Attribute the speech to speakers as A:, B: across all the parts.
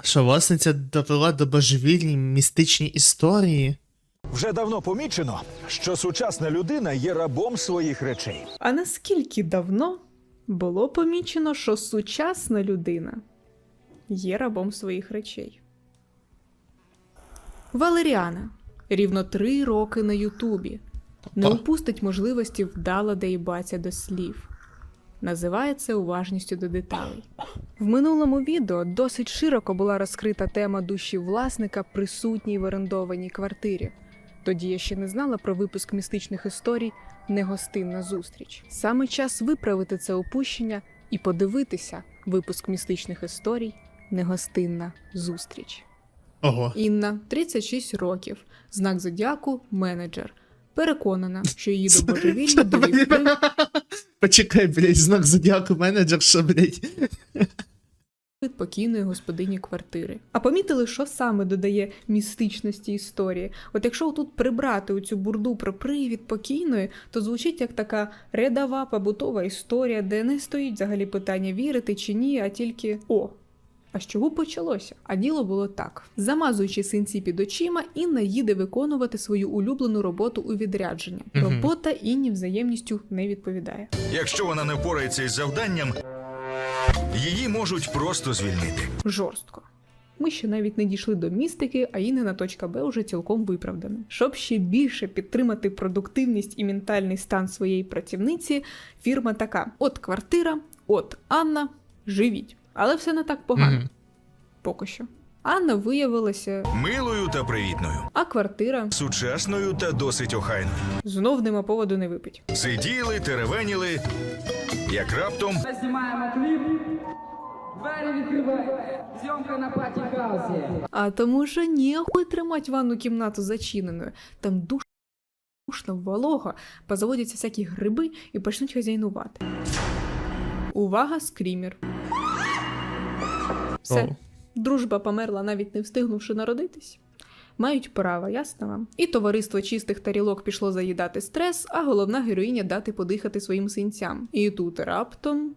A: Що власниця довела до божевільні містичні історії?
B: Вже давно помічено, що сучасна людина є рабом своїх речей.
C: А наскільки давно було помічено, що сучасна людина є рабом своїх речей? Валеріана рівно 3 роки на Ютубі. Не упустить можливості вдало доїбатися до слів. Називає це уважністю до деталей. В минулому відео досить широко була розкрита тема душі власника, присутній в орендованій квартирі. Тоді я ще не знала про випуск містичних історій «Негостинна зустріч». Саме час виправити це упущення і подивитися випуск містичних історій «Негостинна зустріч».
A: Ого.
C: Інна, 36 років, знак зодіаку – менеджер. Переконана, що її до божевілля довів вплив
A: Почекай, блядь, знак зодіаку менеджер, що, блядь.
C: від покійної господині квартири. А помітили, що саме додає містичності історії? От якщо тут прибрати оцю бурду про привід покійної, то звучить як така рядова побутова історія, де не стоїть взагалі питання вірити чи ні, а тільки «О». А з чого почалося? А діло було так. Замазуючи синці під очима, Інна їде виконувати свою улюблену роботу у відрядження. Робота Інні взаємністю не відповідає.
D: Якщо вона не впорається із завданням, її можуть просто звільнити.
C: Жорстко. Ми ще навіть не дійшли до містики, а Іннина точка Б уже цілком виправдана. Щоб ще більше підтримати продуктивність і ментальний стан своєї працівниці, фірма така: от квартира, от Анна, живіть. Але все не так погано. Поки що. Анна виявилася
D: Милою та привітною.
C: а квартира
D: Сучасною та досить охайною.
C: знов нема поводу не випить.
D: Сиділи, теревеніли, як раптом
E: Знімаємо кліп. Двері відкривайте. Зйомка на паті-хаусі.
C: А тому що ніхуй тримати ванну кімнату зачиненою. Там душно, волого, позаводяться всякі гриби і почнуть хазяйнувати. Увага, скрімер. Все.
A: О.
C: Дружба померла, навіть не встигнувши народитись. Мають право, ясно вам? І товариство чистих тарілок пішло заїдати стрес, а головна героїня дати подихати своїм синцям. І тут раптом...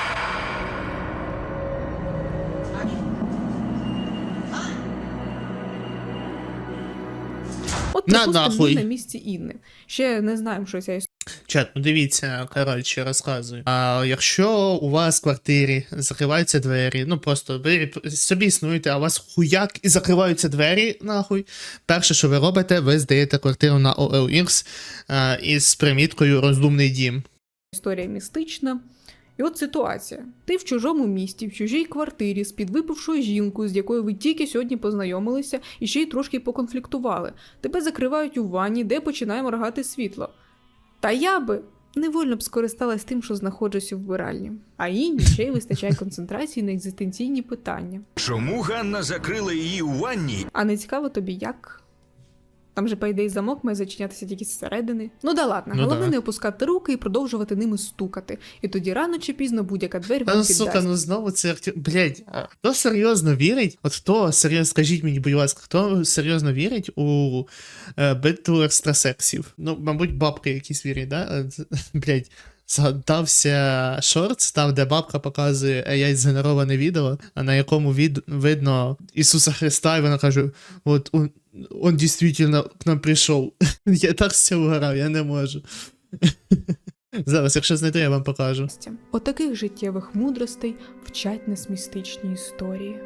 C: От
A: На
C: припустимо,
A: нахуй.
C: ми на місці Інни. Ще не знаємо, що ця історія.
A: Чат, ну дивіться, коротше, розказую. А якщо у вас в квартирі закриваються двері, ну просто ви собі існуєте, а у вас хуяк і закриваються двері, нахуй. Перше, що ви робите, ви здаєте квартиру на OLX із приміткою «Розумний дім».
C: Історія містична. І от ситуація. Ти в чужому місті, в чужій квартирі з підвипившою жінкою, з якою ви тільки сьогодні познайомилися і ще й трошки поконфліктували. Тебе закривають у ванні, де починає моргати світло. Та я би невольно б скористалась тим, що знаходжусь у вбиральні. А Інні ще й вистачає концентрації на екзистенційні питання.
D: чому Ганна закрила її у ванні?
C: А не цікаво тобі як? Там же, по ідеї, замок має зачинятися тільки зсередини. Ну да ладно,
A: Ну
C: головне
A: да.
C: не опускати руки і продовжувати ними стукати. І тоді рано чи пізно будь-яка двері вам
A: Ну,
C: піддасть.
A: сука, ну знову це актер... Блядь, а хто серйозно вірить? От хто серйозно, скажіть мені, будь ласка, хто серйозно вірить у битву екстрасексів? Ну, мабуть, бабки якісь вірять, да? Блядь, згадався шортс, там, де бабка показує AI згенероване відео, а на якому видно Ісуса Христа, і вона каже, от он дійсно к нам прийшов. Я так з цього угорав, я не можу. Зараз, якщо знайду, я вам покажу.
C: Отаких життєвих мудростей вчать нас містичні історії.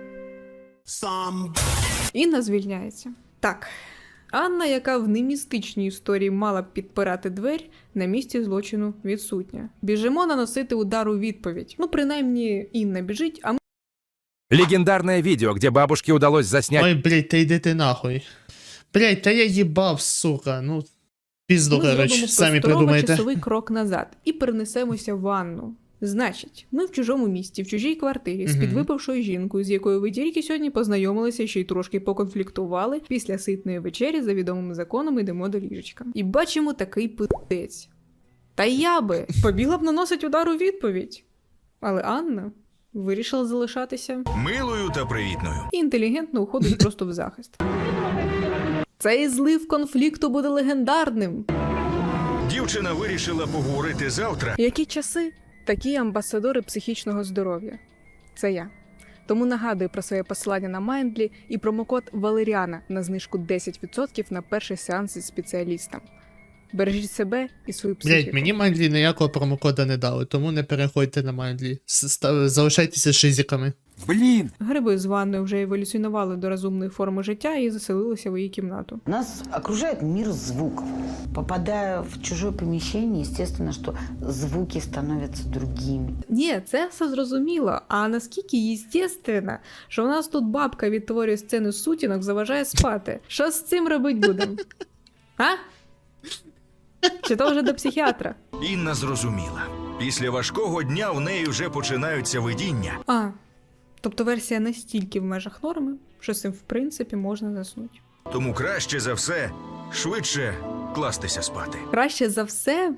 C: Інна звільняється. Так. Анна, яка в немістичній історії мала б підпирати двері, на місці злочину відсутня. Біжимо наносити удар у відповідь. Ну, принаймні, Інна біжить, а ми
F: Легендарное видео, где бабушке удалось заснять
A: Ой, блядь, та йди ти нахуй. Блядь, та я їбав, сука, ну, пізду, коротше,
C: зробимо
A: самі
C: просторово
A: придумайте.
C: часовий крок назад і перенесемося в ванну. Значить, ми в чужому місті, в чужій квартирі, з підвипившою жінкою, з якою ви тільки сьогодні познайомилися, ще й трошки поконфліктували, після ситної вечері за відомими законами йдемо до ліжечка. І бачимо такий пи***ець. Та я би побігла б наносить удар у відповідь. Але Анна вирішила залишатися
D: Милою та привітною.
C: і інтелігентно уходить просто в захист. Цей злив конфлікту буде легендарним.
D: Дівчина вирішила поговорити завтра.
C: Які часи, такі амбасадори психічного здоров'я. Це я. Тому нагадую про своє посилання на Mindly і промокод Валеріана на знижку 10% на перший сеанс із спеціалістом. Бережіть себе і свою психіку.
A: Блять, мені Mindly ніякого промокода не дали, тому не переходьте на Mindly. Залишайтеся шизиками.
F: Блин!
C: Гриби з ванною вже еволюціонували до розумної форми життя і заселилися в її кімнату.
G: Нас окружает мир звуков. Попадая в чужое помещение, естественно, что звуки становятся другими.
C: Ні, це все зрозуміло. А наскільки єстественно, що у нас тут бабка відтворює сцену сутінок, заважає спати. Що з цим робить будемо? А? Чи то вже до психіатра?
D: Інна зрозуміла. Після важкого дня в неї вже починаються видіння.
C: А, тобто версія настільки в межах норми, що з цим в принципі можна заснути.
D: Тому краще за все швидше кластися спати.
C: Краще за все.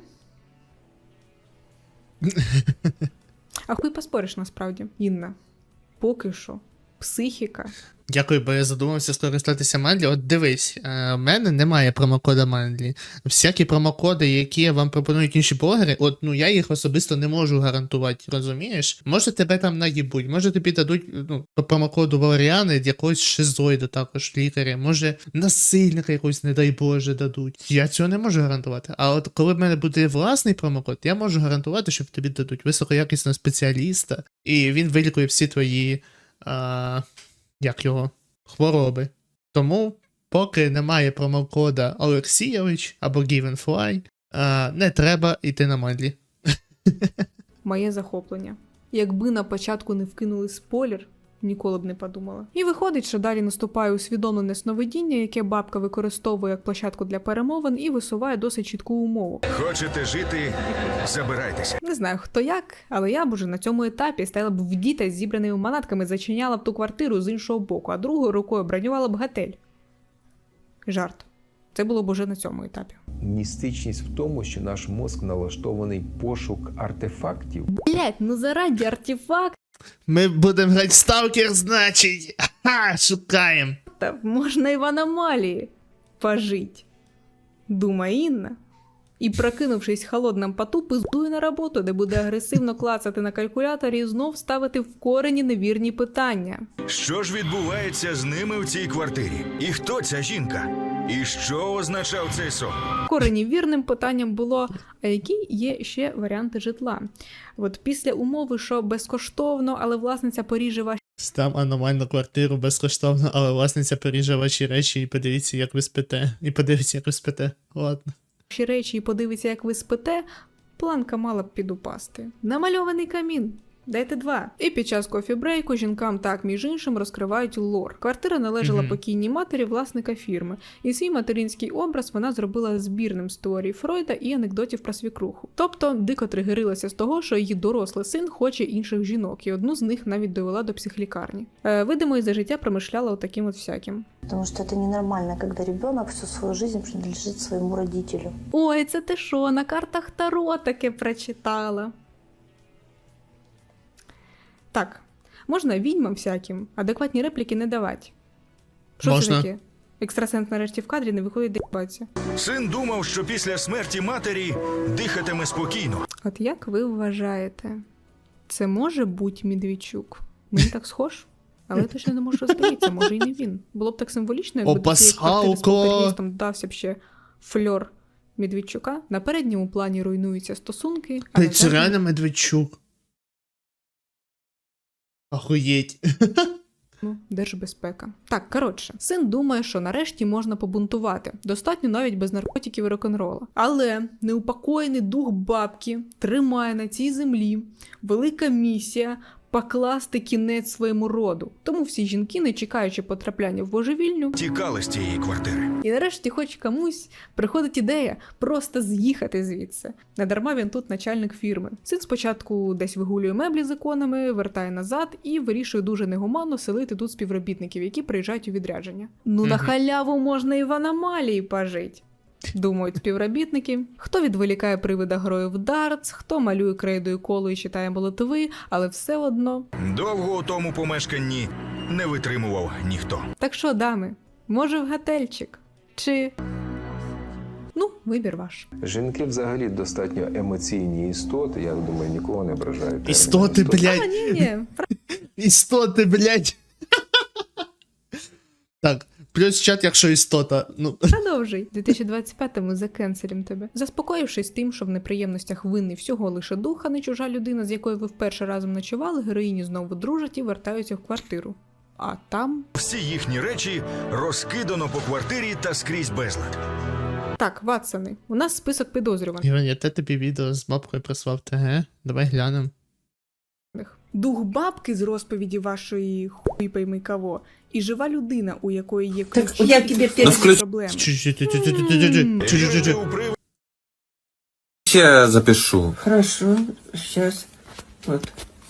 C: А хуй поспориш насправді, Інна. Поки що. Психіка.
A: Дякую, бо я задумався скористатися Mindly. От дивись, в мене немає промокода Mindly. Всякі промокоди, які вам пропонують інші блогери, я їх особисто не можу гарантувати, розумієш? Може тебе там наїбуть, може тобі дадуть по промокоду Валеріани якогось шизоїда також лікаря, може насильника якогось, не дай Боже, дадуть. Я цього не можу гарантувати. А от коли в мене буде власний промокод, я можу гарантувати, що тобі дадуть високоякісного спеціаліста, і він вилікує всі твої хвороби. Тому, поки немає промокода Олексійович або Givenfly, не треба йти на Mindly.
C: Моє захоплення. Якби на початку не вкинули спойлер, ніколи б не подумала. І виходить, що далі наступає усвідомлене сновидіння, яке бабка використовує як площадку для перемовин і висуває досить чітку умову.
D: Хочете жити – забирайтеся.
C: Не знаю, хто як, але я б уже на цьому етапі стояла б в діта з зібраними манатками, зачиняла б ту квартиру з іншого боку, а другою рукою бронювала б готель. Жарт. Це було б уже на цьому етапі.
H: Містичність в тому, що наш мозк налаштований пошук артефактів.
C: Блять, заради артефакт.
A: Ми будемо грати в Сталкер, значить! Ха, шукаємо!
C: Можна і в аномалії пожить, думає Інна. І, прокинувшись в холодному поту, пиздує на роботу, де буде агресивно клацати на калькуляторі і знов ставити в корені невірні питання.
D: Що ж відбувається з ними в цій квартирі? І хто ця жінка? І що означав цей сон?
C: В корені вірним питанням було, а які є ще варіанти житла? От після умови, що безкоштовно, але власниця поріже ваші
A: Там аномальну квартиру безкоштовно, але власниця поріже ваші речі і подивіться, як ви спите. І подивіться, як ви спите. Ладно.
C: речі і подивиться, як ви спите, планка мала б підупасти. Намальований камін. Дайте 2. І під час кофі-брейку жінкам так, між іншим, розкривають лор. Квартира належала покійній матері власника фірми. І свій материнський образ вона зробила збірним з теорій Фройда і анекдотів про свікруху. Тобто, дико тригерилася з того, що її дорослий син хоче інших жінок, і одну з них навіть довела до психлікарні. Видимо, і за життя промишляла отаким от всяким.
I: Потому что это ненормально, когда ребенок всю свою жизнь принадлежит своему родителю.
C: Ой, це ти що, на картах Таро таке прочитала? Так, можна відьмам всяким адекватні репліки не давати. Що
A: можна.
C: це таке? Екстрасенс нарешті в кадрі не виходить доїбатися.
D: Син думав, що після смерті матері дихатиме спокійно.
C: От як ви вважаєте, це може бути Медведчук? Мені так схож? Але я точно не можу розповісти, може і не він. Було б так символічно, якби до цієї квартири з полтергейстом додався б ще фльор Медведчука. На передньому плані руйнуються стосунки. А
A: Це реально Медведчук. Охуєть.
C: Держбезпека. Так, коротше, син думає, що нарешті можна побунтувати. Достатньо навіть без наркотиків і рок-н-рола. Але неупокоєний дух бабки тримає на цій землі велика місія покласти кінець своєму роду. Тому всі жінки, не чекаючи потрапляння в божевільню,
D: Тікали з цієї квартири.
C: і нарешті хоч комусь приходить ідея просто з'їхати звідси. Недарма він тут начальник фірми. Син спочатку десь вигулює меблі з іконами, вертає назад і вирішує дуже негуманно селити тут співробітників, які приїжджають у відрядження. Ну на халяву можна і в аномалії пожить. Думають співробітники. Хто відволікає привида грою в дартс, хто малює крейдою коло і читає молитви, але все одно.
D: Довго у тому помешканні не витримував ніхто.
C: Так що, дами, може в готельчик? Чи... Ну, вибір ваш.
H: Жінки взагалі достатньо емоційні істоти, я думаю, нікого не ображають. термін
A: Істоти,
H: «істот».
A: блядь.
C: А, ні.
A: Істоти, блядь. Так, плюс чат, якщо істота. Ну,
C: Продовжуй. У 2025-му закенселім тебе. Заспокоївшись тим, що в неприємностях винний всього лише дух, а не чужа людина, з якою ви вперше разом ночували, героїні знову дружать і вертаються в квартиру. А там...
D: Всі їхні речі розкидано по квартирі та скрізь безлад.
C: Так, Ватсони, у нас список підозрюваних.
A: Іван, я тобі відео з бабкою прислав ТГ. Давай глянемо.
C: Дух бабки з розповіді вашої хуй пойми кого, і жива людина, у якої є ключі
G: я
C: від
G: тебе
C: всіх проблем.
A: Чу-чу-чу-чу-чу-чу-чу-чу-чу.
D: Люди у приводі
J: Я запишу.
G: Хорошо, сейчас. Вот.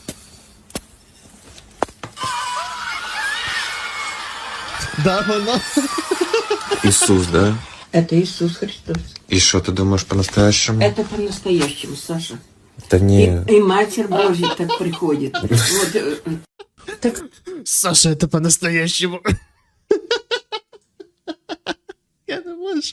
A: Да, воно.
J: Иисус, да?
G: Это Иисус Христос.
J: И что ты думаешь по-настоящему?
G: Это по-настоящему, Саша.
J: Да не...
G: И Матерь Божья так приходит. Вот, так
A: Саша, это по-настоящему. Я не можу.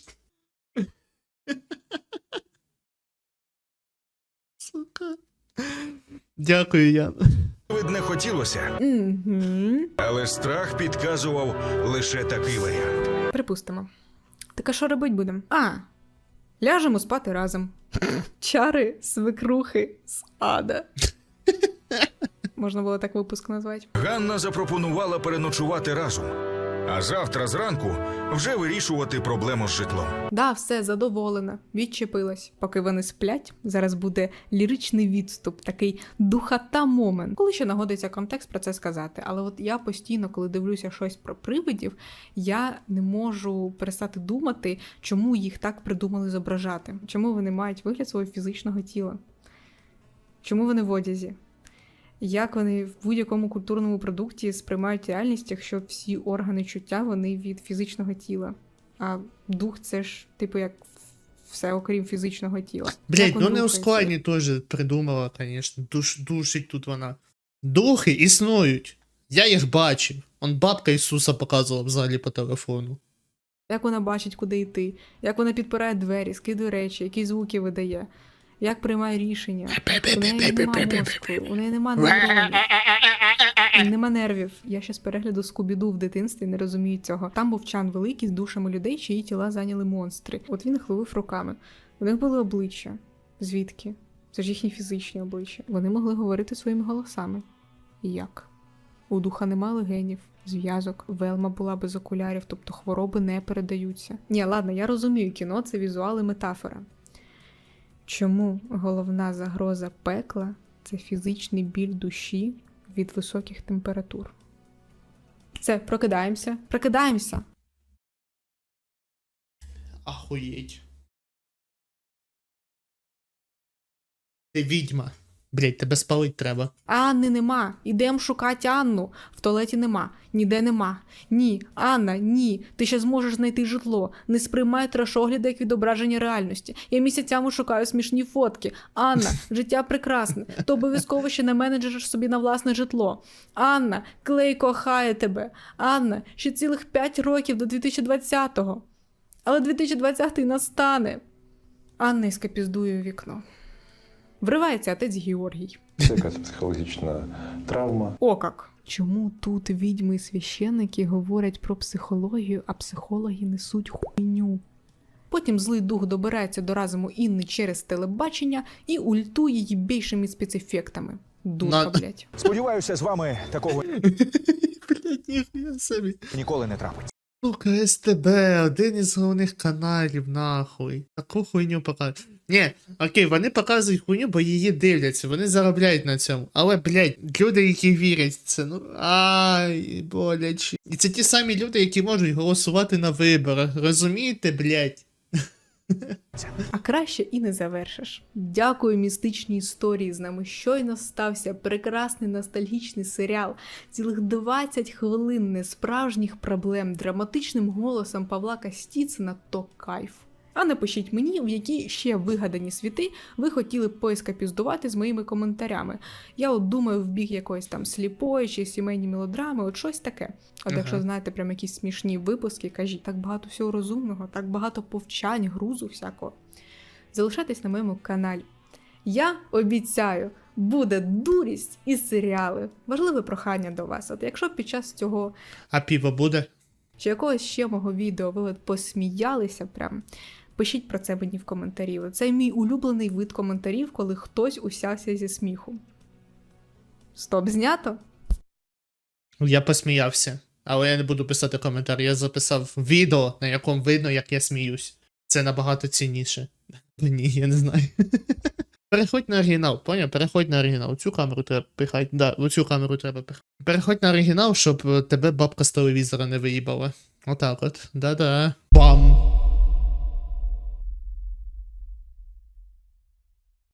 A: Сука. Дякую, Ян.
D: не хотілося,
C: Угу.
D: але страх підказував лише такий варіант.
C: Припустимо. Так а що робить будемо? Ляжемо спати разом. Чари свекрухи з ада. Можна було так випуск назвати.
D: Ганна запропонувала переночувати разом, а завтра зранку вже вирішувати проблему з житлом.
C: Да, все, задоволена. Відчепилась. Поки вони сплять, зараз буде ліричний відступ, такий духота момент. Коли ще нагодиться контекст про це сказати. Але от я постійно, коли дивлюся щось про привидів, я не можу перестати думати, чому їх так придумали зображати. Чому вони мають вигляд свого фізичного тіла. Чому вони в одязі. Як вони в будь-якому культурному продукті сприймають реальність, якщо всі органи чуття, вони від фізичного тіла. А дух це ж, типу, як все, окрім фізичного тіла.
A: Блять,
C: Як він
A: ну не у
C: рухається?
A: складні теж придумала, конечно. Душить тут вона. Духи існують. Я їх бачив. Он бабка Ісуса показувала в залі по телефону.
C: Як вона бачить, куди йти, як вона підпирає двері, скидує речі, які звуки видає, як приймає рішення. У неї нема мозку, у неї нема нейронів, нема нервів. Я ще з перегляду Скубіду в дитинстві не розумію цього. Там був чан великий з душами людей, чиї тіла зайняли монстри. От він їх ловив руками. У них були обличчя. Звідки? Це ж їхні фізичні обличчя. Вони могли говорити своїми голосами. І як? У духа нема легенів, зв'язок, Велма була без окулярів, тобто хвороби не передаються. Ні, ладно, я розумію, кіно – це візуал і метафора. Чому головна загроза пекла – це фізичний біль душі від високих температур? Все, прокидаємося. Прокидаємося!
A: Ахуєть. Ти відьма. Блять, тебе спалить треба.
C: Анни нема. Ідем шукати Анну. В туалеті нема. Ніде нема. Ні, Анна, ні. Ти ще зможеш знайти житло. Не сприймай трешогляди як відображення реальності. Я місяцями шукаю смішні фотки. Анна, життя прекрасне. Ти обов'язково ще не менеджериш собі на власне житло. Анна, Клей кохає тебе. Анна, ще цілих 5 років до 2020-го. Але 2020-й настане. Анна ескапіздує у вікно. Вривається отець Георгій.
H: Це якась психологічна травма.
C: О как! Чому тут відьми і священники говорять про психологію, а психологи несуть хуйню? Потім злий дух добирається до разуму Інни через телебачення і ультує її більшими спецефектами. Дурка, блядь.
B: Сподіваюся, з вами такого
A: Блять, ніхуя собі.
B: ніколи не трапиться.
A: Сука, СТБ, один із головних каналів, нахуй. Таку хуйню показують. Ні, окей, вони показують хуйню, бо її дивляться, вони заробляють на цьому. Але, блядь, люди, які вірять в це, ну, ай, боляче. І це ті самі люди, які можуть голосувати на виборах, розумієте, блядь?
C: А краще і не завершиш. Дякую містичній історії. З нами щойно стався прекрасний ностальгічний серіал. Цілих 20 хвилин несправжніх проблем, драматичним голосом Павла Кастіцина – то кайф. А напишіть мені, в які ще вигадані світи ви хотіли б поескапіздувати з моїми коментарями. Я от думаю в бік якоїсь там сліпої чи сімейні мелодрами, от щось таке. От якщо знаєте прям якісь смішні випуски, кажіть, так багато всього розумного, так багато повчань, грузу всякого. Залишайтесь на моєму каналі. Я обіцяю, буде дурість і серіали. Важливе прохання до вас. От якщо під час цього
A: А піво буде?
C: чи якогось ще мого відео ви от посміялися прям, пишіть про це мені в коментарі. Це мій улюблений вид коментарів, коли хтось усявся зі сміху. Стоп, знято?
A: Я посміявся, але я не буду писати коментар. Я записав відео, на якому видно, як я сміюсь. Це набагато цінніше. Ні, я не знаю. Переходь на оригінал, поняв? Переходь на оригінал. Цю камеру треба пихати. Да, оцю камеру треба пихати. Переходь на оригінал, щоб тебе бабка з телевізора не виїбала. Отак от. Да-да. Бам!